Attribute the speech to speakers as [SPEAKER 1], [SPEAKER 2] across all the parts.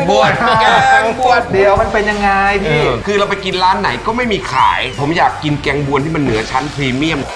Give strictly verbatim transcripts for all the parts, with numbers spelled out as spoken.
[SPEAKER 1] บวชแกงบวช
[SPEAKER 2] เดี๋ยวมันเป็นยังไงพี่
[SPEAKER 1] คือเราไปกินร้านไหนก็ไม่มีขายผมอยากกินแกงบวชที่มันเหนือชั้นพรีเมียม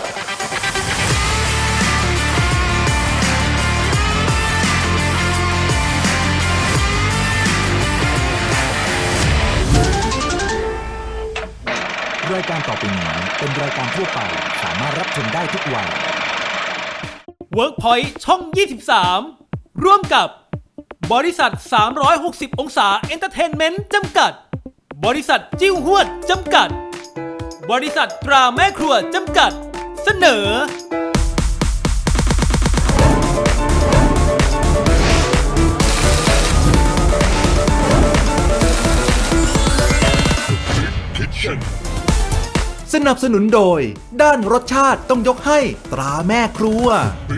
[SPEAKER 3] รายการต่อไปนี้เป็นรายการทั่วไปสามารถรับชมได้ทุกวัย
[SPEAKER 4] WorkPoint ช่อง ยี่สิบสาม ร่วมกับบริษัท สามร้อยหกสิบ องศาเอนเตอร์เทนเมนต์จำกัด บริษัทจิ้วหวดจำกัด บริษัทตราแม่ครัวจำกัด เสนอ
[SPEAKER 3] สนับสนุนโดยด้านรสชาติต้องยกให้ตราแม่ครัว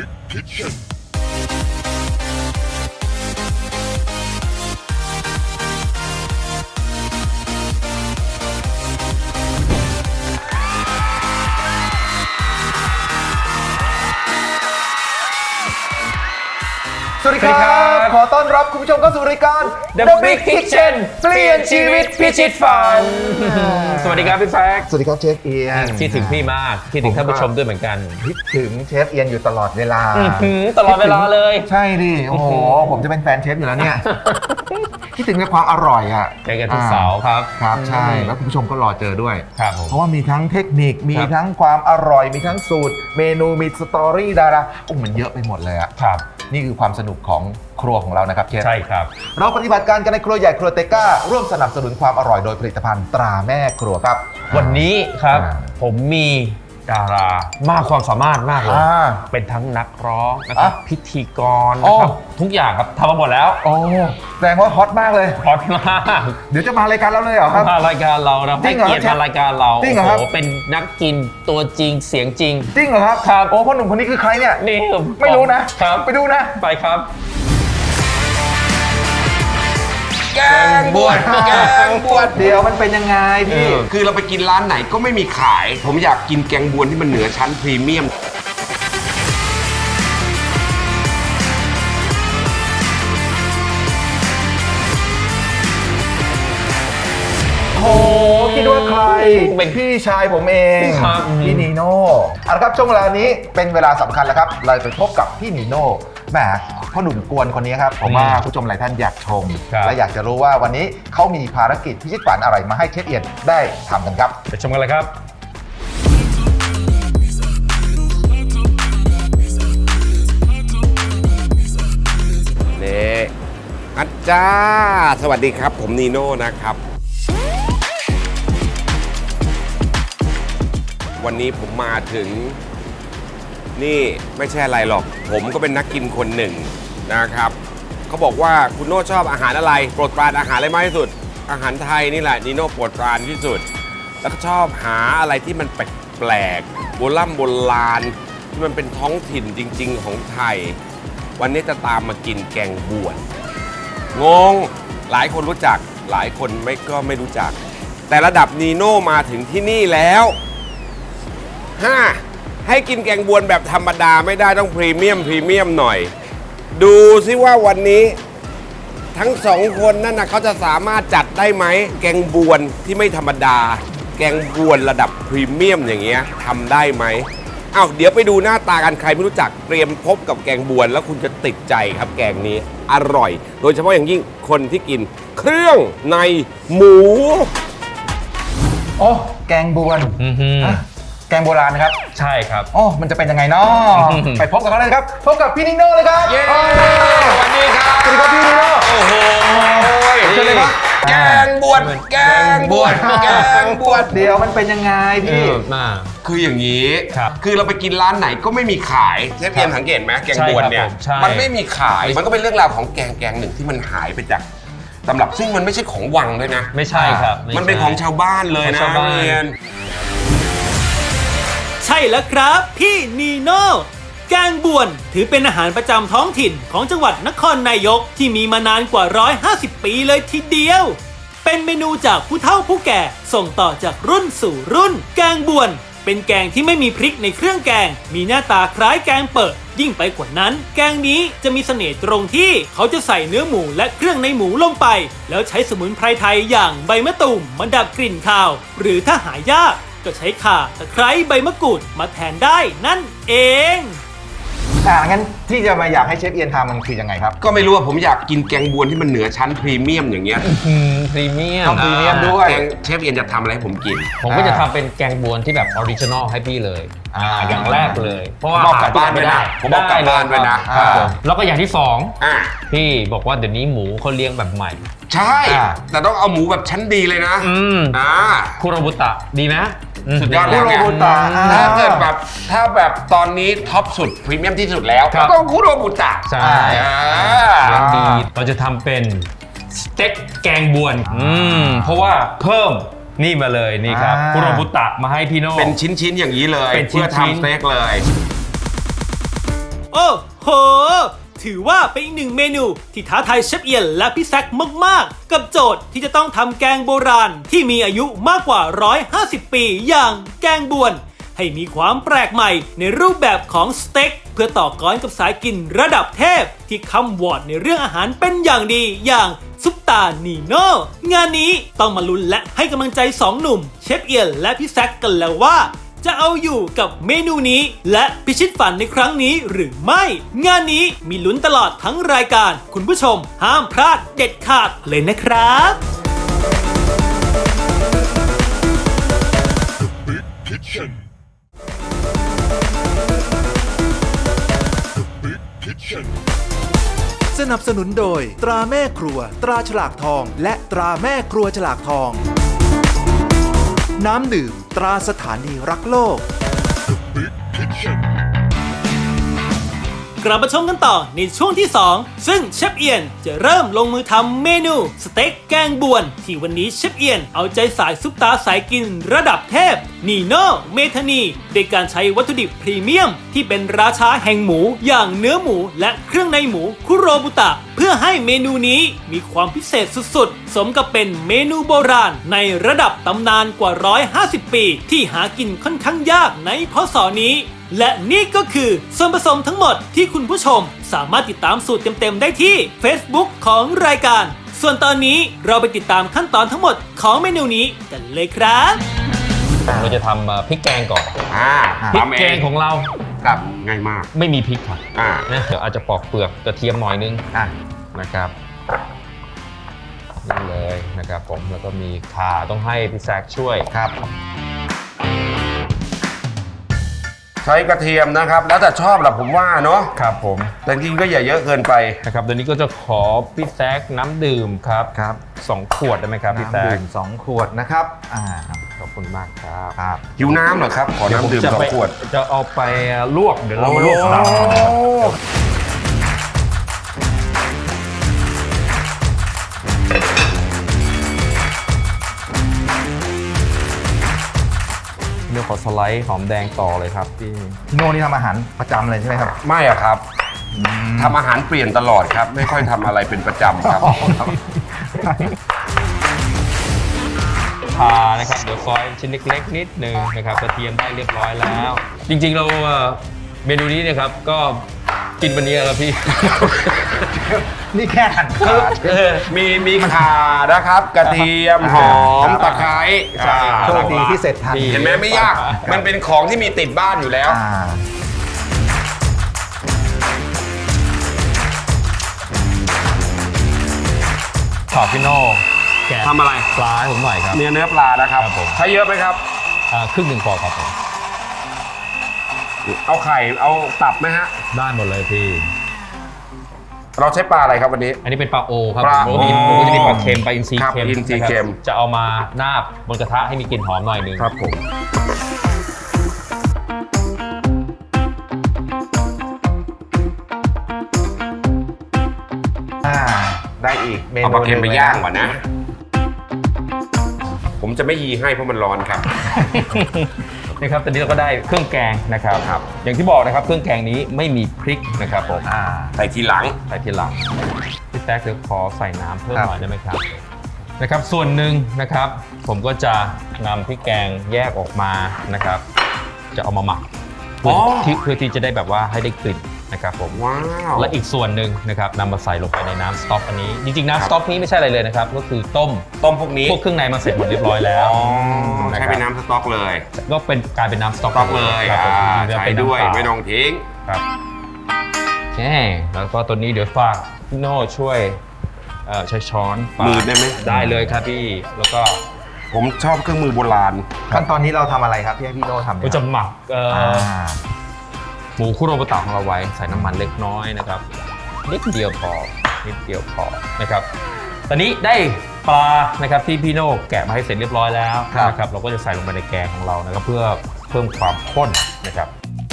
[SPEAKER 2] สวัสดีครับขอต้อนรับคุณผู้ชมเข้าสู่รายการ
[SPEAKER 5] The Big Kitchen เปลี่ยนชีวิตพิชิตฝันสวัสดีครับพี่แฟก
[SPEAKER 2] สวัสดีครับเชฟเอียน
[SPEAKER 5] คิดถึงพี่มากคิดถึงท่านผู้ชมด้วยเหมือนกัน
[SPEAKER 2] คิดถึงเชฟเอียนอยู่ตลอดเวลา
[SPEAKER 5] ตลอดเวลาเลย
[SPEAKER 2] ใช่ดิโอ้โหผมจะเป็นแฟนเชฟอยู่แล้วเนี่ยคิดถึงในความอร่อยอ่ะ
[SPEAKER 5] เจอกันทุกเสาร์ครับ
[SPEAKER 2] ครับใช่แล้วคุณผู้ชมก็รอเจอด้วย
[SPEAKER 5] ครับ
[SPEAKER 2] เพราะว่ามีทั้งเทคนิคมีทั้งความอร่อยมีทั้งสูตรเมนูมีสตอรี่ดาราโอ้มันเยอะไปหมดเลยอ่ะ
[SPEAKER 5] ครับ
[SPEAKER 2] นี่คือความสนุกของครัวของเรานะครับเชฟ
[SPEAKER 5] ใช่ครับ
[SPEAKER 2] เราปฏิบัติการกันในครัวใหญ่ครัวเตก้าร่วมสนับสนุนความอร่อยโดยผลิตภัณฑ์ตราแม่ครัวครับ
[SPEAKER 5] วันนี้ครับผมมีดารามากความสามารถมากเลยเป็นทั้งนักร้องนะครับพิธีกรนะครับทุกอย่างครับทำมาหมดแล้ว
[SPEAKER 2] โอ้แสดงว่าฮอตมากเลย
[SPEAKER 5] ฮอตมาก
[SPEAKER 2] เดี๋ยวจะมารายการเราเลยเหรอครับ
[SPEAKER 5] มารายการเรานะให้เกียรติมารายการเรา
[SPEAKER 2] จริงเหรอครับ
[SPEAKER 5] โอ้เป็นนักกินตัวจริงเสียงจริง
[SPEAKER 2] จริงเหรอครับ
[SPEAKER 5] ครับ
[SPEAKER 2] โอ้พ่อหนุ่มคนนี้คือใครเนี่ย
[SPEAKER 5] นี่
[SPEAKER 2] ไม่รู้นะครับไปดูนะ
[SPEAKER 5] ไปครับ
[SPEAKER 1] แกงบวชแกงบวช
[SPEAKER 2] เดี๋ยวมันเป็นยังไงพี่
[SPEAKER 1] คือเราไปกินร้านไหนก็ไม่มีขายผมอยากกินแกงบวชที่มันเหนือชั้นพรีเมียม
[SPEAKER 2] โอ้คิดว่าใครเป็นพี่ชายผมเองพี่นีโน่เอาละครับช่วงเวลานี้เป็นเวลาสำคัญแล้วครับเราไปพบกับพี่นีโน่แหมพ่อหนุ่มกวนคนนี้ครับผมว่าผู้ชมหลายท่านอยากชมและอยากจะรู้ว่าวันนี้เขามีภารกิจพิชิตฝันอะไรมาให้เชฟเอียนได้ทำกันครับ
[SPEAKER 5] ไปชมกันเลยครับ
[SPEAKER 1] นี่อาจารย์สวัสดีครับผมนีโน่นะครับวันนี้ผมมาถึงนี่ไม่ใช่อะไรหรอกผมก็เป็นนักกินคนหนึ่งนะครับเขาบอกว่าคุณโน่ชอบอาหารอะไรโปรดปรานอาหารอะไรมากที่สุดอาหารไทยนี่แหละนีโน่โปรดปรานที่สุดแล้วก็ชอบหาอะไรที่มันแปลกๆโบราณโบราณที่มันเป็นท้องถิ่นจริงๆของไทยวันนี้จะตามมากินแกงบวชงงหลายคนรู้จักหลายคนไม่ก็ไม่รู้จักแต่ระดับนีโน่มาถึงที่นี่แล้วห้าให้กินแกงบวชแบบธรรมดาไม่ได้ต้องพรีเมียมพรีเมียมหน่อยดูซิว่าวันนี้ทั้งสองคนนั่นนะเขาจะสามารถจัดได้ไหมแกงบวชที่ไม่ธรรมดาแกงบวชระดับพรีเมียมอย่างเงี้ยทำได้ไหมอ้าวเดี๋ยวไปดูหน้าตากันใครไม่รู้จักเตรียมพบกับแกงบวชแล้วคุณจะติดใจครับแกงนี้อร่อยโดยเฉพาะอย่างยิ่งคนที่กินเครื่องในหมู
[SPEAKER 2] โอ้แกงบวชแกงโบราณนะครับ
[SPEAKER 5] ใช่ครับ
[SPEAKER 2] อ๋อมันจะเป็นยังไงเนาะไปพบกับเขาเลยครับพบกับพี่นีโน่เลยครับ
[SPEAKER 1] เย้สวัสดีครับ
[SPEAKER 2] สวัสดีครับพี่นีโน่
[SPEAKER 1] โอ้โห
[SPEAKER 2] เชิญเลยครับ
[SPEAKER 1] แกงบวชแกงบวชแกงบวช
[SPEAKER 2] เดี๋ยวมันเป็นยังไงพี่
[SPEAKER 1] คืออย่างนี้คือเราไปกินร้านไหนก็ไม่มีขายเชฟเอียนสังเกตไหมแกงบวชเนี่ยมันไม่มีขายมันก็เป็นเรื่องราวของแกงแกงหนึ่งที่มันหายไปจากตำรับซึ่งมันไม่ใช่ของวังด้วยนะ
[SPEAKER 5] ไม่ใช่ครับ
[SPEAKER 1] มันเป็นของชาวบ้านเลยนะเรียน
[SPEAKER 4] ใช่แล้วครับพี่นีโน่แกงบวชถือเป็นอาหารประจำท้องถิ่นของจังหวัดนครนายกที่มีมานานกว่าหนึ่งร้อยห้าสิบปีเลยทีเดียวเป็นเมนูจากผู้เฒ่าผู้แก่ส่งต่อจากรุ่นสู่รุ่นแกงบวชเป็นแกงที่ไม่มีพริกในเครื่องแกง มีหน้าตาคล้ายแกงเปิดยิ่งไปกว่านั้นแกงนี้จะมีเสน่ห์ตรงที่เขาจะใส่เนื้อหมูและเครื่องในหมูลงไปแล้วใช้สมุนไพรไทยอย่างใบมะตูมมาดับกลิ่นคาวหรือถ้าหายากก็ใช้ข่าตะไคร้ใบมะกรูดมาแทนได้นั่นเอง
[SPEAKER 2] อ่างั้นที่จะมาอยากให้เชฟเอียนทำมันคือยังไงครับ
[SPEAKER 1] ก็ไม่รู้ว่าผมอยากกินแกงบวนที่มันเหนือชั้นพรีเมียมอย่างเงี้ย
[SPEAKER 5] พรีเมียม
[SPEAKER 2] ต้องพรีเมียมด้วย
[SPEAKER 1] แกงเชฟเอียนจะทำอะไรให้ผมกิน
[SPEAKER 5] ผมก็จะทำเป็นแกงบวนที่แบบออริจินอลให้พี่เลย
[SPEAKER 2] อ่า
[SPEAKER 5] อย่างแรกเลย เพราะว่า
[SPEAKER 1] บอกกลับบ้านด้วยนะผมบอกกลับบ้านด้วยนะ
[SPEAKER 5] ครับผมแล้วก็อย่างที่สอง
[SPEAKER 1] อ่า
[SPEAKER 5] พี่บอกว่าเดี๋ยวนี้หมูเขาเลี้ยงแบบใหม่
[SPEAKER 1] ใช่
[SPEAKER 2] อ่า
[SPEAKER 1] แต่ต้องเอาหมูแบบชั้นดีเลยนะ
[SPEAKER 5] อืม
[SPEAKER 1] อ่า
[SPEAKER 5] คุโรบุตะดีไหม
[SPEAKER 1] สุดยอดแล้วไง
[SPEAKER 2] คุโรบุตะ
[SPEAKER 1] ถ้าเกิดแบบถ้าแบบตอนนี้ท็อปสุดพรีเมียมที่สุดแล้ว
[SPEAKER 5] ครับ
[SPEAKER 1] ก็ต้องคุโรบุตะ
[SPEAKER 5] ใช่
[SPEAKER 1] อ่า
[SPEAKER 5] เลี้ยงดีเราจะทำเป็นสเต็กแกงบวนอืมเพราะว่าเพิ่มนี่มาเลยนี่ครับ
[SPEAKER 2] อ่า
[SPEAKER 5] คุโรบุตะมาให้พี่โน่
[SPEAKER 1] เป็นชิ้นๆอย่างนี้เลย
[SPEAKER 5] เป็นชิ้นๆ
[SPEAKER 1] เพื่อทำสเต็กเลย
[SPEAKER 4] โอ้โห ถือว่าเป็นอีกหนึ่งเมนูที่ท้าทายเชฟเอียนและพี่แซคมากๆ กับโจทย์ที่จะต้องทำแกงโบราณที่มีอายุมากกว่า หนึ่งร้อยห้าสิบ ปีอย่างแกงบวน ให้มีความแปลกใหม่ในรูปแบบของสเต็กเพื่อต่อกรกับสายกินระดับเทพที่คำวอร์ดในเรื่องอาหารเป็นอย่างดีอย่างซุปตานีโน่งานนี้ต้องมาลุ้นและให้กำลังใจสองหนุ่มเชฟเอียนและพี่แซคกันแล้วว่า จะเอาอยู่กับเมนูนี้และพิชิตฝันในครั้งนี้หรือไม่ งานนี้มีลุ้นตลอดทั้งรายการคุณผู้ชมห้ามพลาดเด็ดขาดเลยนะครับ
[SPEAKER 3] สนับสนุนโดยตราแม่ครัว ตราฉลากทอง และตราแม่ครัวฉลากทอง น้ำดื่มตราสถานีรักโลก
[SPEAKER 4] กลับมาชมกันต่อในช่วงที่สองซึ่งเชฟเอียนจะเริ่มลงมือทำเมนูสเต็กแกงบวนที่วันนี้เชฟเอียนเอาใจสายซุปตาสายกินระดับเทพนีโน่เมธานีโดยการใช้วัตถุดิบพรีเมียมที่เป็นราชาแห่งหมูอย่างเนื้อหมูและเครื่องในหมูคุโรบุตะเพื่อให้เมนูนี้มีความพิเศษสุดๆสมกับเป็นเมนูโบราณในระดับตำนานกว่าหนึ่งร้อยห้าสิบปีที่หากินค่อนข้างยากในพศนี้และนี่ก็คือส่วนผสมทั้งหมดที่คุณผู้ชมสามารถติดตามสูตรเต็มๆได้ที่ Facebook ของรายการส่วนตอนนี้เราไปติดตามขั้นตอนทั้งหมดของเมนูนี้กันเลยครับ
[SPEAKER 5] เราจะทำเอ่อพริกแกงก่อน
[SPEAKER 1] อ่า
[SPEAKER 5] พริก
[SPEAKER 1] ทำเอ
[SPEAKER 5] แกงของเรา
[SPEAKER 1] ครับง่ายมาก
[SPEAKER 5] ไม่มีพริกครับ
[SPEAKER 1] อ่า
[SPEAKER 5] นะเดี๋ยวอาจจะปอกเปลือกกระเทียมหน่อยนึง
[SPEAKER 2] อ่ะ
[SPEAKER 5] นะครับนี่เลยนะครับผมแล้วก็มีข่าต้องให้พี่แซคช่วย
[SPEAKER 2] ครับ
[SPEAKER 1] ใช้กระเทียมนะครับ แล้วแต่ชอบแหละผมว่าเนาะ
[SPEAKER 5] ครับผม
[SPEAKER 1] แต่จริงๆก็อย่าเยอะเกินไป
[SPEAKER 5] นะครับเดี๋ยวนี้ก็จะขอพี่แซคน้ำดื่มครับ
[SPEAKER 2] ครับ
[SPEAKER 5] สองขวดได้ไหมครับพี่แซ
[SPEAKER 2] น้ำ
[SPEAKER 5] ค
[SPEAKER 2] ดื่มสองขวดนะครับ อ่า
[SPEAKER 5] ขอบคุณมากครับ
[SPEAKER 2] ครับ
[SPEAKER 1] หิวน้ำเหรอครับ ขอน้ำดื่มสองขวด
[SPEAKER 5] จะเอาไปลวกเดี๋ยวเรามาลวกปลา
[SPEAKER 1] โอ้
[SPEAKER 5] เดี๋ยวขอสไลด์หอมแดงต่อเลยครับพี่
[SPEAKER 2] พี่โน่นี่ทำอาหารประจำเลยใช่ไหมครับ
[SPEAKER 1] ไม่อะครับทำอาหารเปลี่ยนตลอดครับ ไม่ค่อยทำอะไรเป็นประจำครับ
[SPEAKER 5] พานะครับเดี๋ยวซอยชิ้นเล็กๆนิดนึงนะครับกระเทียมได้เรียบร้อยแล้ว จริงๆเราเอ่อเมนูนี้เนี่ยครับก็กินวันนี้แล้วพี่
[SPEAKER 2] นี่แค่หั่นขา
[SPEAKER 1] มีมีข่านะครับ กระเทียมหอมตะไคร้ใช่
[SPEAKER 2] โชคดีที่เสร็จทัน
[SPEAKER 1] เห็นไหมไม่ยาก มันเป็นของที่มีติดบ้านอยู่แล้ว
[SPEAKER 2] อ่า
[SPEAKER 5] ขอพี่โน่แกะ
[SPEAKER 1] ทำอะไร
[SPEAKER 5] ปลาให้ผมหน่อยครับ
[SPEAKER 1] เนื้อเนื้อปลานะครับ
[SPEAKER 5] ครับผม
[SPEAKER 1] ใช้เยอะไหมครับ
[SPEAKER 5] อ่าครึ่งหนึ่งพอครับผม
[SPEAKER 1] เอาไข่ เอาตับไหมฮะ
[SPEAKER 5] ได้หมดเลยพี่
[SPEAKER 1] เราใช้ปลาอะไรครับวันนี้
[SPEAKER 5] อันนี้เป็นปลาโอครับ
[SPEAKER 1] ปลา
[SPEAKER 5] ปกติ
[SPEAKER 1] โอ
[SPEAKER 5] ผมก็จะมีปลาเค็มปลาอินทรี
[SPEAKER 1] ครับ
[SPEAKER 5] เค็ม
[SPEAKER 1] อินทรี
[SPEAKER 5] ะครับ
[SPEAKER 1] เค็ม
[SPEAKER 5] จะเอามานาบบนกระทะให้มีกลิ่นหอมหน่อยนึง
[SPEAKER 1] ครับผม
[SPEAKER 2] อ่า ได้อีกเมนู
[SPEAKER 1] เอาปลาเค็มไปย่าง
[SPEAKER 2] ห
[SPEAKER 1] ก่อนนะ ผมจะไม่ยีให้เพราะมันร้อนครับ
[SPEAKER 5] นะครับตอนนี้เราก็ได้เครื่องแกงนะครับ
[SPEAKER 1] ครับ
[SPEAKER 5] อย่างที่บอกนะครับเครื่องแกงนี้ไม่มีพริกนะครับผม
[SPEAKER 2] อ่า
[SPEAKER 1] ใส่ทีหลัง
[SPEAKER 5] ใส่ทีหลังพี่แซคเดี๋ยวขอใส่น้ำเพิ่ม
[SPEAKER 2] ครับ
[SPEAKER 5] หน่อยได้ไหมครับนะครับส่วนหนึ่งนะครับ ผมก็จะนำพริกแกงแยกออกมานะครับจะเอามาหมักเพื่อ
[SPEAKER 1] อ๋อ
[SPEAKER 5] ที่เพื่อที่จะได้แบบว่าให้ได้กลิ่นนะครับผม
[SPEAKER 1] ว้าว
[SPEAKER 5] และอีกส่วนหนึ่งนะครับนำมาใส่ลงไปในน้ำสต๊อกอันนี้ จริงๆ
[SPEAKER 1] ครับ
[SPEAKER 5] น้ำสต๊อกนี้ไม่ใช่อะไรเลยนะครับ ก็คือต้ม
[SPEAKER 1] ต้มพวกนี้
[SPEAKER 5] พวกเครื่องในมาเสร็จหมดเรียบร้อยแล้ว
[SPEAKER 1] อ๋อ
[SPEAKER 5] นะ
[SPEAKER 1] ใช้
[SPEAKER 5] ครับ
[SPEAKER 1] เป็นน้ำสต๊อกเลย
[SPEAKER 5] ก็เป็นกลายเป็นน้ำสต๊อก
[SPEAKER 1] สต๊อกเลย
[SPEAKER 5] ครับ
[SPEAKER 1] อ่า
[SPEAKER 5] ผมจริงๆแล้ว
[SPEAKER 1] ใช้
[SPEAKER 5] เป็นน้ำ
[SPEAKER 1] ด้วย
[SPEAKER 5] เปล่า
[SPEAKER 1] ไม่ต้องทิ้ง
[SPEAKER 5] ครับโอเคแล้วก็ตัวนี้เดี๋ยวฝากพี่โน่ช่วยเอ่อใช้ช้อนฝาก
[SPEAKER 1] มือได้ไหม
[SPEAKER 5] ได้เลยครับพี่แล้วก็
[SPEAKER 1] ผมชอบเครื่องมือโบราณ
[SPEAKER 2] ขั้นตอนนี้เราทำอะไรครับที่ให้พี่โน่ทำเนี่ย
[SPEAKER 5] ก็จะหมักเอ่อ
[SPEAKER 2] อ่
[SPEAKER 5] อา หมูคุโรบุตะของเราไว้ใส่น้ำมันเล็กน้อยนะครับนิดเดียวพอนิดเดียวพอนะครับตอนนี้ได้ปลานะครับที่พี่โน่แกะมาให้เสร็จเรียบร้อยแล้วนะครับเราก็จะใส่ลงไปในแกงของเรานะครับเพื่อเพิ่มความข้นนะครับ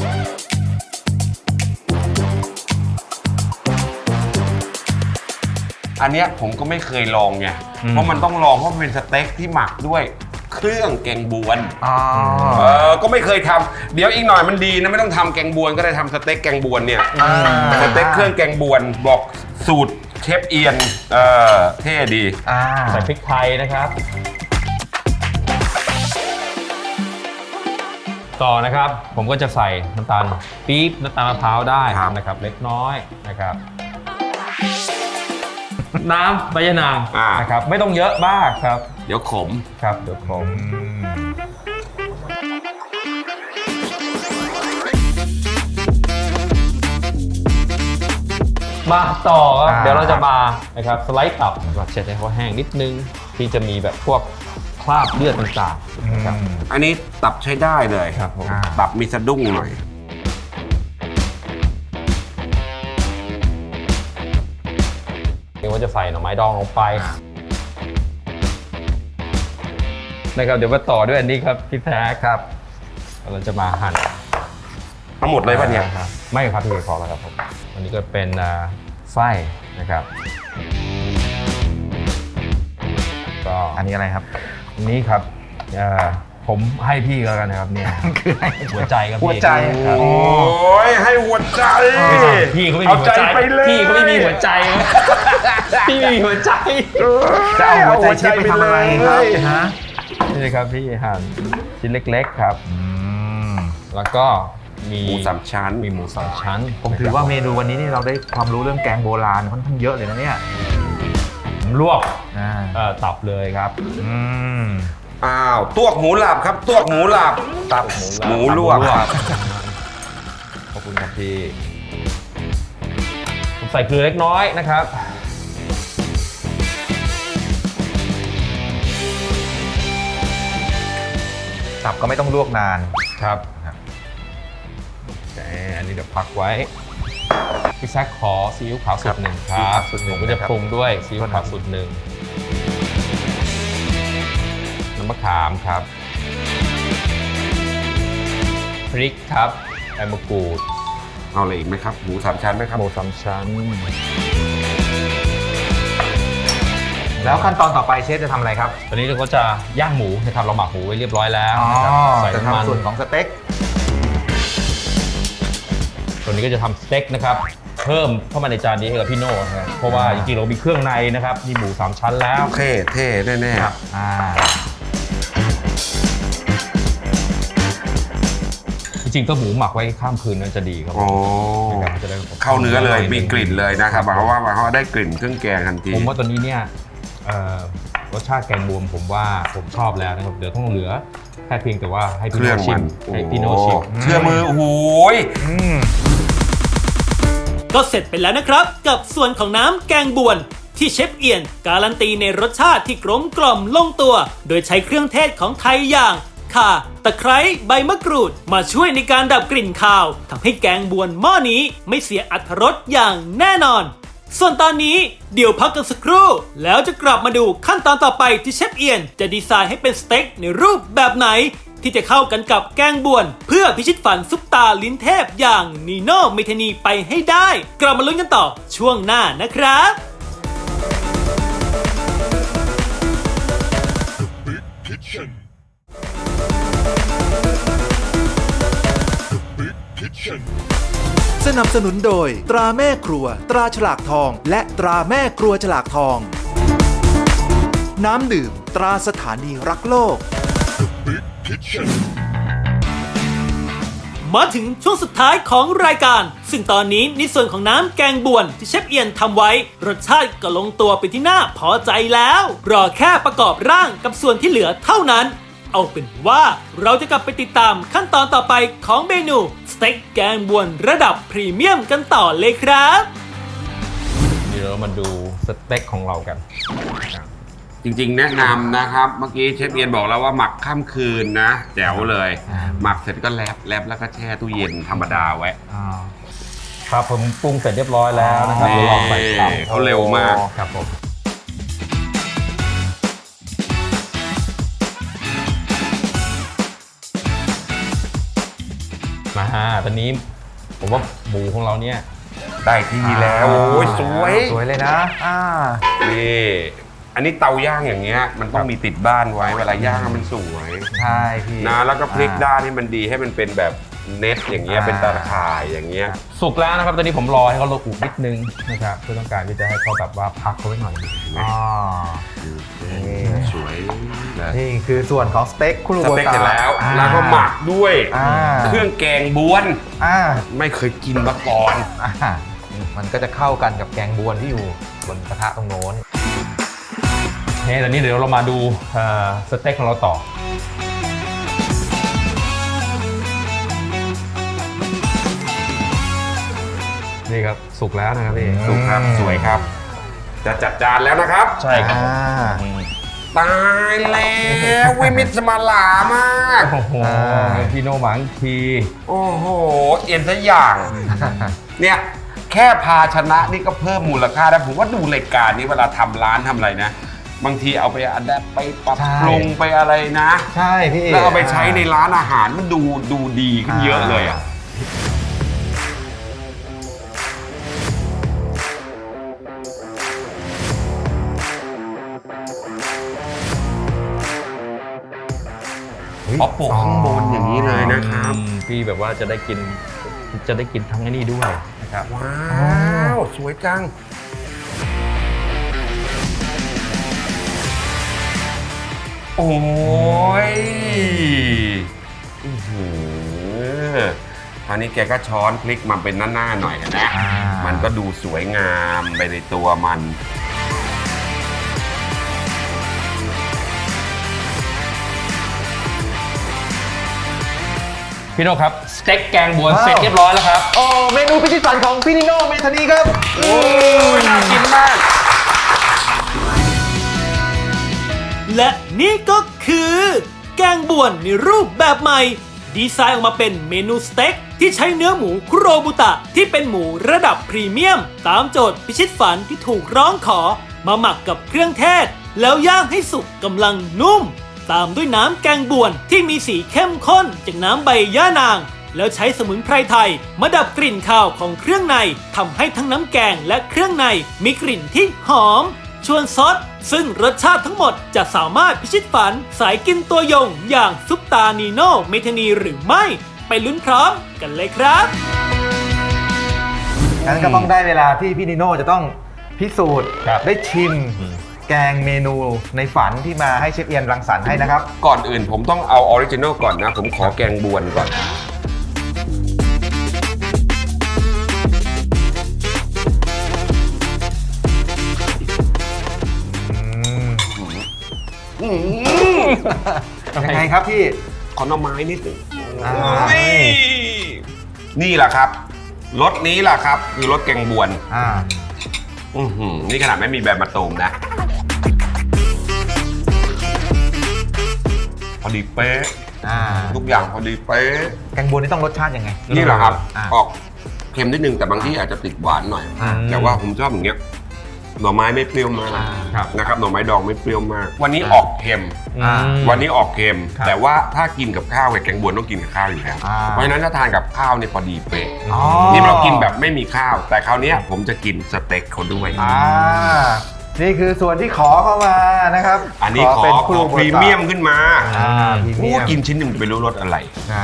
[SPEAKER 1] อันเนี้ยผมก็ไม่เคยลองไง
[SPEAKER 5] อืม
[SPEAKER 1] เพราะมันต้องลองเพราะมันเป็นสเต็กที่หมักด้วยเครื่องแกงบวน
[SPEAKER 2] อ๋อ
[SPEAKER 1] เออก็ไม่เคยทำเดี๋ยวอีกหน่อยมันดีนะไม่ต้องทำแกงบวนก็ได้ทำสเต็กแกงบวนเนี่ย
[SPEAKER 2] อ่า
[SPEAKER 1] สเต็กเครื่องแกงบวนบอกสูตรเชฟเอียนเออเท่ดี
[SPEAKER 2] อ่า
[SPEAKER 5] ใส่พริกไทยนะครับ ต่อนะครับผมก็จะใส่น้ำตาลปี๊บน้ำตาลมะพร้าวได้
[SPEAKER 1] ครับ
[SPEAKER 5] นะครับเล็กน้อยนะครับ น้ำใบยะนาง
[SPEAKER 1] อ่าน
[SPEAKER 5] นะครับไม่ต้องเยอะมากครับ
[SPEAKER 1] เดี๋ยวขม
[SPEAKER 5] ครับเดี๋ยวผม มาต่อครับ
[SPEAKER 2] อ่า
[SPEAKER 5] เดี๋ยวเราจะมานะครับสไลด์ตับแบบเช็ดให้เขาแห้งนิดนึงที่จะมีแบบพวกคราบเลือดต่างๆนะครับ
[SPEAKER 1] อันนี้ตับใช้ได้เลย
[SPEAKER 5] ครับผม
[SPEAKER 2] อ่า
[SPEAKER 1] ตับมีสะดุ้งหน่อย
[SPEAKER 5] เดี๋ยวว่าจะใส่หน่อไม้ดองลงไปนะครับเดี๋ยวมาต่อด้วยอันนี้ครับพี่แท้ครับเราจะมาหั่น
[SPEAKER 1] ทั้งหมดเลยป่ะเนี่ย
[SPEAKER 5] ครับไม่ครับพี่พอแล้วครับผมอันนี้ก็เป็นอ่าไส้นะครับก็
[SPEAKER 2] อันนี้อะไรครับ
[SPEAKER 5] อันนี้ครับเอ่อผมให้พี่ก็แล้วกันนะครับเนี่ย
[SPEAKER 2] คือให้
[SPEAKER 5] หัวใจครับพี่
[SPEAKER 2] หัวใจ
[SPEAKER 5] ครับ
[SPEAKER 1] โอ้ยให้หัวใจ
[SPEAKER 5] ไม่ใช่พี่เขาไม่มี
[SPEAKER 1] เอา
[SPEAKER 5] หัว
[SPEAKER 1] ใจ
[SPEAKER 5] ใจ
[SPEAKER 1] ไปเลย
[SPEAKER 5] พี่เขาไม่มีหัวใจพี่ไม่มีหัวใจ
[SPEAKER 2] จะเอาหัวใจเชฟไปทำอะไรครับฮะ
[SPEAKER 5] นี่เลยครับพี่หั่นชิ้นเล็กๆครับ
[SPEAKER 2] อืม
[SPEAKER 5] แล้วก็มี
[SPEAKER 1] หมูสามชั้น
[SPEAKER 5] มีหมูสามชั้น
[SPEAKER 2] ผมถือว่าเมนูวันนี้นี่เราได้ความรู้เรื่องแกงโบราณค่อนข้างเยอะเลยนะเนี่ย
[SPEAKER 5] ผมลวก
[SPEAKER 2] อ่า
[SPEAKER 5] เอ่อตับเลยครับ
[SPEAKER 2] อืม
[SPEAKER 1] อ้าวตวกหมูหลับครับตวกหมูหลับ
[SPEAKER 5] ตับ
[SPEAKER 1] หมูลวก
[SPEAKER 5] ตับขอบคุณครับพี่ผมใส่เกลือเล็กน้อยนะครับ
[SPEAKER 2] ตับก็ไม่ต้องลวกนาน
[SPEAKER 5] ครับ
[SPEAKER 2] ครับ
[SPEAKER 5] แต่อันนี้เดี๋ยวพักไว้พี่แซคขอซีอิ๊วขาวสูตรหนึ่งครับ
[SPEAKER 2] ซีอิ๊วขาวสูตรหนึ่
[SPEAKER 5] ผ
[SPEAKER 2] ง
[SPEAKER 5] มก็จะ
[SPEAKER 2] นะครับ
[SPEAKER 5] ปรุงด้วยซีอิ๊วขาวสูตรหนึ่งน้ำมะขามครับพริกครับใบมะกรูด
[SPEAKER 1] เอาอะไรอีกไหมครับหมูสามชั้นไหมครับ
[SPEAKER 5] หมูสามชั้น
[SPEAKER 2] แล้วขั้นตอนต่อไปเชฟจะทำอะไรครับ
[SPEAKER 5] ตอนนี้เราก็จะย่างหมูนะครับเราหมักหมูไว้เรียบร้อยแล้ว
[SPEAKER 2] อ๋อ
[SPEAKER 5] นะครับใส่
[SPEAKER 2] จะ
[SPEAKER 5] น้ำมัน
[SPEAKER 2] ทำส่วนของสเต็ก
[SPEAKER 5] ตัวนี้ก็จะทำสเต็กนะครับเพิ่มเข้ามาในจานนี้ให้กับพี่โน่นะครับเพราะว่าจริงๆเรามีเครื่องในนะครับมีหมูสามชั้นแล้ว
[SPEAKER 1] เท่เท่แน่ๆ
[SPEAKER 5] ครับ
[SPEAKER 2] อ่า
[SPEAKER 5] จริงๆก็หมูหมักไว้ข้ามคืนนั่นจะดีครับ
[SPEAKER 1] โอ้
[SPEAKER 5] นะครับจะได้
[SPEAKER 1] เข้าเนื้อเลยมีกลิ่นเลยนะครับเพราะว่าเพราะว่าได้กลิ่นเครื่องแกงทันที
[SPEAKER 5] ผมว่าตัวนี้เนี่ยเอ่อรสชาติแกงบวมผมว่าผมชอบแล้วนะครับเดี๋ยวต้องเหลือแค่เพียงแต่ว่าให้
[SPEAKER 1] เค
[SPEAKER 5] พี่
[SPEAKER 1] รื่
[SPEAKER 5] โน่
[SPEAKER 1] อง
[SPEAKER 5] ชิ
[SPEAKER 1] มั
[SPEAKER 5] ม
[SPEAKER 1] น
[SPEAKER 5] ให้พี่โน่ชิม
[SPEAKER 1] เชื่อมือโอ้โหย
[SPEAKER 2] อืม
[SPEAKER 4] ก็เสร็จไปแล้วนะครับกับส่วนของน้ำแกงบวนที่เชฟเอียนการันตีในรสชาติที่กลมกล่อมลงตัว โดยใช้เครื่องเทศของไทยอย่างข่าตะไคร้ใบมะกรูด มาช่วยในการดับกลิ่นคาวทำให้แกงบวนหม้อนี้ไม่เสียอรรถรสอย่างแน่นอน ส่วนตอนนี้เดี๋ยวพักกันสักครู่ แล้วจะกลับมาดูขั้นตอนต่อไปที่เชฟเอียนจะดีไซน์ให้เป็นสเต็กในรูปแบบไหน ที่จะเข้ากันกับแกงบวน เพื่อพิชิตฝันซุปตาลิ้นเทพอย่างนีโน่เมธานีไปให้ได้ กลับมาลุ้นกันต่อช่วงหน้านะครับ
[SPEAKER 3] สนับสนุนโดย ตราแม่ครัว ตราฉลากทอง และตราแม่ครัวฉลากทอง น้ำดื่ม ตราสถานีรักโลก
[SPEAKER 4] มาถึงช่วงสุดท้ายของรายการซึ่งตอนนี้ในส่วนของน้ำแกงบวนที่เชฟเอียนทำไว้รสชาติก็ลงตัวเป็นที่น่าพอใจแล้วรอแค่ประกอบร่างกับส่วนที่เหลือเท่านั้นเอาเป็นว่าเราจะกลับไปติดตามขั้นตอนต่อไปของเมนูสเต็กแกงบวนระดับพรีเมียมกันต่อเลยครับ
[SPEAKER 5] เดี๋ยวเรามาดูสเต็กของเรากัน
[SPEAKER 1] จริงๆ แนะนำนะครับ เมื่อกี้เชฟเอียนบอกแล้วว่าหมักข้ามคืนนะแจ๋วเลย หมักเสร็จก็แลบแลบแล้วก็แช่ตู้เย็นธรรมดาไว้
[SPEAKER 5] ครับผมปรุงเสร็จเรียบร้อยแล้วนะครับ
[SPEAKER 1] นี่
[SPEAKER 5] เดี๋ยวลองใส่ตาม
[SPEAKER 1] เขาเร็วมาก
[SPEAKER 5] ครับผมมาตอนนี้ผมว่าหมูของเราเนี่ย
[SPEAKER 1] ได้ที่แล้วโอ้ยสวย
[SPEAKER 2] สวยเลยนะอ่า
[SPEAKER 1] นี่อันนี้เตาย่างอย่างเงี้ยมันต้องมีติดบ้านไว้เวลาย่างมันสวย
[SPEAKER 2] ใช่พี่
[SPEAKER 1] นะแล้วก็พลิกด้านให้มันดีให้มันเป็นแบบเน็ตอย่างเงี้ย
[SPEAKER 2] อ่า
[SPEAKER 1] เป็นตาข่ายอย่างเงี้ย
[SPEAKER 5] สุกแล้วนะครับตอนนี้ผมรอให้เขาละอุนิดนึงนะครับเพื่อต้องการที่จะให้เขาแบบว่าพักเขาไว้หน่อย
[SPEAKER 2] อ๋อ
[SPEAKER 1] สวยนะ
[SPEAKER 2] นี่คือส่วนของสเต็กคุรุ
[SPEAKER 1] ส
[SPEAKER 2] โบ
[SPEAKER 1] เต็ก
[SPEAKER 2] ตะ
[SPEAKER 1] เสร็จแล้ว
[SPEAKER 2] อ่า
[SPEAKER 1] แล้วก็หมักด้วย
[SPEAKER 2] อ่า
[SPEAKER 1] เครื่องแกงบ้วน
[SPEAKER 2] อ่า
[SPEAKER 1] ไม่เคยกินมาก่อน
[SPEAKER 2] อ่ามันก็จะเข้ากันกับแกงบวนที่อยู่บนกระทะตรงโน้น
[SPEAKER 5] นี่ตอนนี้เดี๋ยวเรามาดูเอ่อสเต็กของเราต่อนี่ครับสุกแล้วนะครับพี่
[SPEAKER 1] สุกครับสวยครับ จะจัดจานแล้วนะครับ
[SPEAKER 5] ใช่ครับ
[SPEAKER 2] อ่า
[SPEAKER 1] ตายแล้ววิมิตสมาลามาก
[SPEAKER 5] โอ้โห
[SPEAKER 2] อ่า
[SPEAKER 5] พี่โนหมังที
[SPEAKER 1] โอ้โห เอ็นซะอย่าง เนี่ย แค่ภาชนะนี่ก็เพิ่มมูลค่าแล้วผมว่าดูรายการนี้เวลาทำร้านทำอะไรนะ บางทีเอาไปอัดแอปไปปรับ
[SPEAKER 2] ใช่
[SPEAKER 1] ปรุงไปอะไรนะ
[SPEAKER 2] ใช่พี่
[SPEAKER 1] แล้วเอาไปใช้ในร้านอาหารมันดูดูดีขึ้นเยอะเลยอ่ะ อ๋อโปะข้างบนอย่างนี้เลยนะครับ
[SPEAKER 5] อืมพี่แบบว่าจะได้กินจะได้กินทั้งไอ้นี่ด้วยนะครับ
[SPEAKER 1] ว้าว สวยจัง โอ้ยอื้อหือคราวนี้แกก็ช้อนพลิกมาเป็นหน้าๆหน่อยนะ
[SPEAKER 2] อ่ามั
[SPEAKER 1] มันก็ดูสวยงามไปในตัวมัน
[SPEAKER 5] พี่โนครับสเต็กแกงบวนเสร็จเรียบร้อยแล้วครับ
[SPEAKER 2] โอ้เมนูพิชิตฝันของพี่นิโน่เมธานีครับ
[SPEAKER 1] โอ้ยน่ากินมาก
[SPEAKER 4] และนี่ก็คือ แกงบวนในรูปแบบใหม่ ดีไซน์ออกมาเป็นเมนูสเต็กที่ใช้เนื้อหมูคุโรบุตะที่เป็นหมูระดับพรีเมียม ตามโจทย์พิชิตฝันที่ถูกร้องขอ มาหมักกับเครื่องเทศ แล้วย่างให้สุกกำลังนุ่ม ตามด้วยน้ำแกงบวนที่มีสีเข้มข้นจากน้ำใบย่านาง แล้วใช้สมุนไพรไทยมาดับกลิ่นคาวของเครื่องในทำให้ทั้งน้ำแกงและเครื่องในมีกลิ่นที่หอม ชวนซดซึ่งรสชาติทั้งหมดจะสามารถพิชิตฝันสายกินตัวยงอย่างซุปตานีโน่เมธานีหรือไม่ ไปลุ้นพร้อมกันเลยครับ
[SPEAKER 2] งั้นก็ต้องได้เวลาที่พี่นิโน่จะต้องพิสูจน์
[SPEAKER 5] ครับ
[SPEAKER 2] ได้ชิมแกงเมนูในฝันที่มาให้เชฟเอียนรังสรรค์ให้นะครับ
[SPEAKER 1] ก่อนอื่นผมต้องเอาออริจินอลก่อนนะ ผมขอแกงบวนก่อน
[SPEAKER 2] ยังไงครับพี่
[SPEAKER 1] ขอหน่อไม้นิดหนึ่ง
[SPEAKER 2] อ่า
[SPEAKER 1] นี่นี่แหละครับรสนี้แหละครับ คือรสแกงบวน
[SPEAKER 2] อ่า
[SPEAKER 1] อื้อหือนี่ขนาดไม่มีแบบมาตูมนะ พอดีเป๊ะ
[SPEAKER 2] อ่า
[SPEAKER 1] ทุกอย่างพอดีเป๊ะ
[SPEAKER 2] แกงบวนนี่ต้องรสชาติยังไง
[SPEAKER 1] นี่แหละครับ
[SPEAKER 2] อ่า
[SPEAKER 1] ออกเค็มนิดนึงแต่บางที่อาจจะติดหวานหน่อย
[SPEAKER 2] อ่า
[SPEAKER 1] แต่ว่าผมชอบอย่างเงี้ยหน่อไม้ไม่เปรี้ยวมาก
[SPEAKER 2] อ่า
[SPEAKER 5] ครับ
[SPEAKER 1] นะครับหน่อไม้ดองไม่เปรี้ยวมาก วันนี้ออกเค็ม
[SPEAKER 2] อ่า
[SPEAKER 1] วันนี้ออกเค็ม
[SPEAKER 5] ครับ
[SPEAKER 1] แต่ว่าถ้ากินกับข้าวกับแกงบวนต้องกินกับข้าวอยู่แล้ว
[SPEAKER 2] อ่า
[SPEAKER 1] เพราะฉะนั้นถ้าทานกับข้าวเนี่ยพอดีเป๊ะ
[SPEAKER 2] อ๋อ
[SPEAKER 1] นี่เรากินแบบไม่มีข้าว แต่คราวเนี้ยผมจะกินสเต็กเขาด้วย
[SPEAKER 2] อ่า นี่คือส่วนที่ขอเข้ามานะครับ
[SPEAKER 1] อันนี้ขอ
[SPEAKER 2] เป็น
[SPEAKER 1] ข
[SPEAKER 2] คุ
[SPEAKER 1] อ
[SPEAKER 2] รุ
[SPEAKER 1] พ
[SPEAKER 2] โบตะ
[SPEAKER 1] รีเมียมขึ้นมา
[SPEAKER 2] อ่าพรีเมี
[SPEAKER 1] โอ้
[SPEAKER 2] ยม
[SPEAKER 1] กินชิ้นหนึ่งจะไปรู้รสอะไร
[SPEAKER 2] อ่า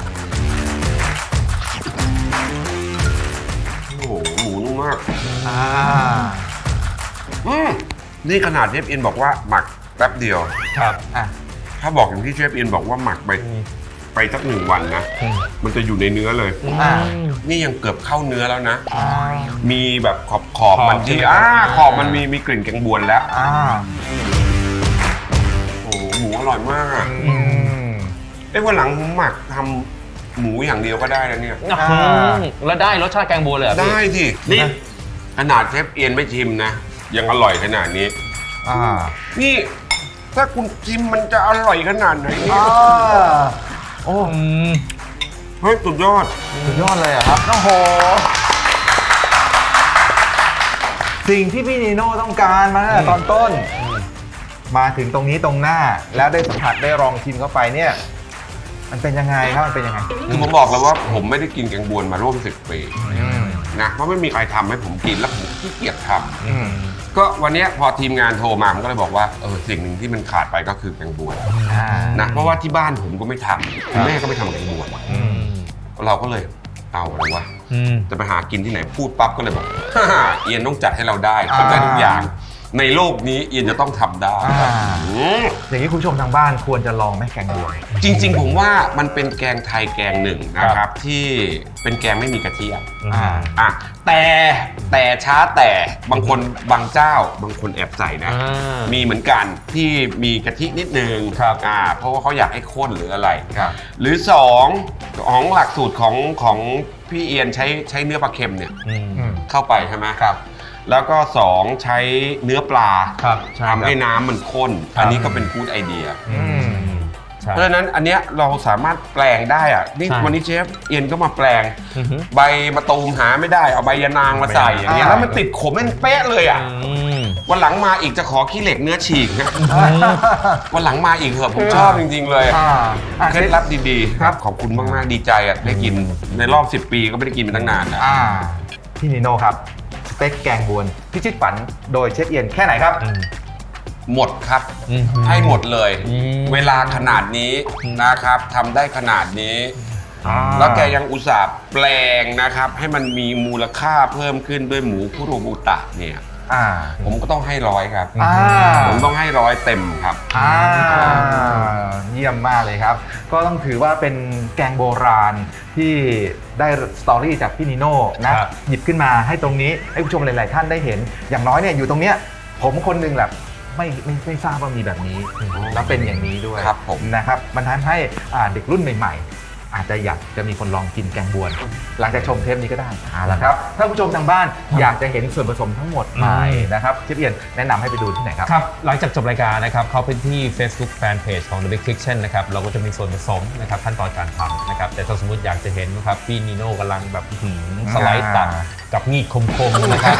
[SPEAKER 1] โอ้โหหมูนุ่มมาก
[SPEAKER 2] อ่า
[SPEAKER 1] อืมนี่ขนาดเชฟเอ็นบอกว่าหมักแป๊บเดียว
[SPEAKER 5] ครับ
[SPEAKER 2] อ่ะ
[SPEAKER 1] ถ้าบอกอย่างที่เชฟเอ็นบอกว่าหมักไปไปสักหนึ่งวันนะ
[SPEAKER 5] อืม
[SPEAKER 1] มันจะอยู่ในเนื้อเลย
[SPEAKER 2] อ่า
[SPEAKER 1] นี่ยังเกือบเข้าเนื้อแล้วนะ
[SPEAKER 2] อ่า
[SPEAKER 1] มีแบบขอบขอบ
[SPEAKER 5] ขอบ
[SPEAKER 1] มันที่
[SPEAKER 5] ใช่ไหม
[SPEAKER 1] อ่า
[SPEAKER 5] ครับ
[SPEAKER 1] ขอบมันมีมีกลิ่นแกงบวนแล้ว
[SPEAKER 2] อ่า
[SPEAKER 1] โอ้โหหมูอร่อยมากอะ
[SPEAKER 2] อืม
[SPEAKER 1] เอ้ยวันหลังผมหมักทำหมูอย่างเดียวก็ได้นะเนี่ย
[SPEAKER 2] อ่า
[SPEAKER 5] แล้วได้รสชาติแกงบัวเลยเหรอพี่
[SPEAKER 1] ได้สินี่ขนาดเชฟเอียนไม่ชิมนะ ยังอร่อยขนาดนี้
[SPEAKER 2] อ่า
[SPEAKER 1] นี่ถ้าคุณชิมมันจะอร่อยขนาดไหนเนี่ย
[SPEAKER 2] อ่าโอ้
[SPEAKER 5] อืม
[SPEAKER 1] เฮ้ยสุดยอด
[SPEAKER 2] สุดยอดเลยอะครับโอ้โห สิ่งที่พี่นีโน่ต้องการมาตั้งแต่ตอนต้น มาถึงตรงนี้ตรงหน้า แล้วได้สัมผัสได้ลองชิมเข้าไปเนี่ย มันเป็นยังไงครับมันเป็นยังไง
[SPEAKER 1] คือผมบอกแล้วว่าผมไม่ได้กินแกงบวนมาร่วมสิบปี
[SPEAKER 2] อืม
[SPEAKER 1] นะเพราะไม่มีใครทำให้ผมกินแล้วผมขี้เกียจทำ
[SPEAKER 2] อืม
[SPEAKER 1] ก็วันเนี้ยพอทีมงานโทรมาผมก็เลยบอกว่าเออสิ่งหนึ่งที่มันขาดไปก็คือแกงบวน
[SPEAKER 2] อ่า
[SPEAKER 1] นะเพราะว่าที่บ้านผมก็ไม่ทำคุณแม่ก็ไม่ทำแกงบวน
[SPEAKER 2] อืม
[SPEAKER 1] เราก็เลยเอาอะไรวะ
[SPEAKER 5] อืม
[SPEAKER 1] จะไปหากินที่ไหนพูดปั๊บก็เลยบอก ฮ่าฮ่าเอียนต้องจัดให้เราได้
[SPEAKER 2] อ่า
[SPEAKER 1] ทำได้ทุกอย่าง ในโลกนี้เอียนจะต้องทำได้
[SPEAKER 2] อ่า
[SPEAKER 1] อืม
[SPEAKER 2] อย่างนี้คุณผู้ชมทางบ้านควรจะลองไหมแกงบวน
[SPEAKER 1] จริง ๆ ผมว่ามันเป็นแกงไทยแกงหนึ่งนะครับ ที่เป็นแกงไม่มีกะทิอ่ะ
[SPEAKER 2] อ่า
[SPEAKER 1] อ่ะแต่แต่ช้าแต่บางคนบางเจ้าบางคนแอบใส่นะ
[SPEAKER 5] อ่า
[SPEAKER 1] มีเหมือนกันที่มีกะทินิดนึง
[SPEAKER 5] ครับ
[SPEAKER 1] อ่าเพราะว่าเขาอยากให้ข้นหรืออะไร
[SPEAKER 2] ครับ
[SPEAKER 1] หรือสองของหลักสูตรของของพี่เอียนใช้ใช้เนื้อปลาเค็มเนี่ย
[SPEAKER 5] อืม
[SPEAKER 2] อืม
[SPEAKER 1] เข้าไปใช่ไหม
[SPEAKER 2] ครับ
[SPEAKER 1] แล้วก็สองใช้เนื้อปลา
[SPEAKER 5] ครับใช่
[SPEAKER 1] ทำให้น้ำมันข้น
[SPEAKER 5] ครับ
[SPEAKER 1] อันนี้ก็เป็นกู๊ดไอเดีย
[SPEAKER 2] อืม
[SPEAKER 5] ใช่
[SPEAKER 1] เพราะฉะนั้นอันเนี้ยเราสามารถแปลงได้อะนี่
[SPEAKER 5] ใช่
[SPEAKER 1] วันนี้เชฟเอียนก็มาแปลง
[SPEAKER 5] อือฮึ
[SPEAKER 1] ใบมะตูมหาไม่ได้เอาใบยะนางมาใส่อย่างเงี้ย
[SPEAKER 2] อ่า
[SPEAKER 1] แล้วมันติดขมเป็นเป๊ะเลยอ่ะ
[SPEAKER 5] อืม
[SPEAKER 1] วันหลังมาอีกจะขอขี้เหล็กเนื้อฉีกนะวันหลังมาอีกเถอะผมชอบจริง ๆ เลย
[SPEAKER 2] อ่าอ่า
[SPEAKER 1] เคล็ดลับดีๆ
[SPEAKER 2] ครับ
[SPEAKER 1] ขอบคุณมากๆดีใจอ่ะได้กินในรอบสิบปีก็ไม่ได้กินมาตั้งนานแล้ว
[SPEAKER 2] อ่าพี่นิโน่ครับสเต็กแกงบวนพิชิตฝันโดยเชฟเอียนแค่ไหนครับ
[SPEAKER 5] อืม
[SPEAKER 1] หมดครับ
[SPEAKER 5] อืม
[SPEAKER 1] ให้หมดเลย
[SPEAKER 5] อืม
[SPEAKER 1] เวลาขนาดนี้นะครับทำได้ขนาดนี้ แล้วแกยังอุตส่าห์แปลงนะครับ ให้มันมีมูลค่าเพิ่มขึ้นด้วยหมูคุโรบุตะเนี่ย
[SPEAKER 2] อ่า
[SPEAKER 1] ผมก็ต้องให้ร้อยครับ
[SPEAKER 2] อ่า
[SPEAKER 1] ผมต้องให้ร้อยเต็มครับ
[SPEAKER 2] อ่าเยี่ยมมากเลยครับ ก็ต้องถือว่าเป็นแกงโบราณที่ได้สตอรี่จากพี่นิโน่นะครับ หยิบขึ้นมาให้ตรงนี้ให้ผู้ชมหลาย ๆ ท่านได้เห็น อย่างน้อยเนี่ยอยู่ตรงเนี้ยผมคนหนึงแหละไม่ไม่ไม่ทราบว่ามีแบบนี้ แล้วเป็นอย่างนี้ด้วย
[SPEAKER 1] ครับผม
[SPEAKER 2] นะครับมันทำให้อ่าเด็กรุ่นใหม่ ๆ อาจจะอยากจะมีคนลองกินแกงบวน หลังจากชมเทปนี้ก็ได้เอาละครับถ้าผู้ชมทางบ้านอยากจะเห็นส่วนผสมทั้งหมดใหม่นะครับเชฟเอียนแนะนำให้ไปดูที่ไหนครับ
[SPEAKER 5] ครับ หลังจากจบรายการนะครับ เข้าไปที่ Facebook Fanpage ของ The Big Kitchen นะครับ เราก็จะมีส่วนผสมนะครับขั้นตอนการทำนะครับ แต่ถ้าสมมติอยากจะเห็นนะครับ พี่นิโน่กำลังแบบหืมสไลด์ตัดกับมีดคมๆนะครับ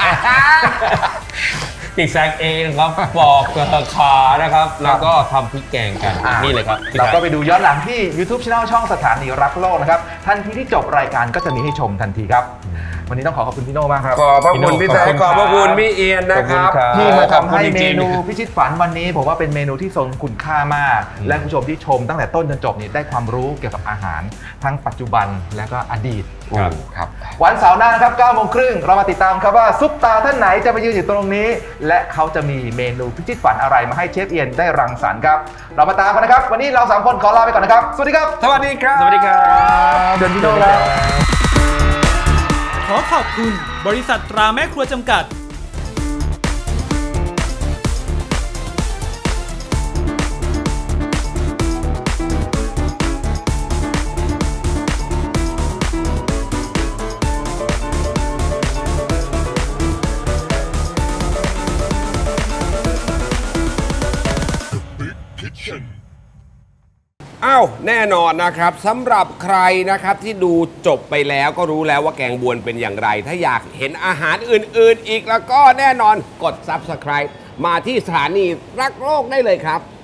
[SPEAKER 5] อีกแซกเองครับปอกขานะครับ แล้วก็ทำพริกแกงกัน
[SPEAKER 2] อ่า
[SPEAKER 5] นี่เลยครับพี่
[SPEAKER 2] เราก็
[SPEAKER 5] ไก่
[SPEAKER 2] ไปดูย้อนหลังที่ YouTube Channel ช่องสถานีรักโลกนะครับ ทันทีที่จบรายการก็จะมีให้ชมทันทีครับ วันนี้ต้องขอขอบคุณพี่โน่มากครับ
[SPEAKER 1] ขอบพระ
[SPEAKER 5] พี่
[SPEAKER 1] คุ
[SPEAKER 5] โน่
[SPEAKER 1] ณพี่แจ๊ค
[SPEAKER 5] ข
[SPEAKER 1] ข
[SPEAKER 5] อ
[SPEAKER 1] อ
[SPEAKER 5] บบ คุณ
[SPEAKER 1] พระคุณ
[SPEAKER 5] ครับ
[SPEAKER 1] พี่เอียนนะครับ
[SPEAKER 5] ขอบคุณครับ
[SPEAKER 2] ที่มา
[SPEAKER 1] ขอบ
[SPEAKER 2] ทำ
[SPEAKER 1] คุณ
[SPEAKER 2] ให้
[SPEAKER 1] จ
[SPEAKER 2] เม
[SPEAKER 1] ริงๆ
[SPEAKER 2] นูพิชิตฝันวันนี้ผมว่าเป็นเมนูที่ทรงคุณค่ามาก และคุณผู้ชมที่ชมตั้งแต่ต้นจนจบนี่ได้ความรู้เกี่ยวกับอาหาร ทั้งปัจจุบันและก็อดีต
[SPEAKER 1] ครับ ครับ
[SPEAKER 2] วันเสาร์หน้านะครับเก้าโมงครึ่งเรามาติดตามครับว่าซุปตาท่านไหนจะมายืนอยู่ตรงนี้ และเขาจะมีเมนูพิชิตฝันอะไรมาให้เชฟเอียนได้รังสรรค์ครับ เรามาตามกันนะครับ วันนี้เราสามคนขอลาไปก่อนนะครับ สวัสดีครับ
[SPEAKER 1] สวัสดีครับ
[SPEAKER 5] สวัสดีครับ
[SPEAKER 2] เดินพี่โน่แล้ว
[SPEAKER 4] ขอขอบคุณบริษัทตราแม่ครัวจำกัด
[SPEAKER 1] อ้าวแน่นอนนะครับสำหรับใครนะครับที่ดูจบไปแล้วก็รู้แล้วว่าแกงบวนเป็นอย่างไร ถ้าอยากเห็นอาหารอื่นๆ อีกแล้วก็แน่นอนกด ซับสไครบ์ มาที่สถานีรักโลกได้เลยครับ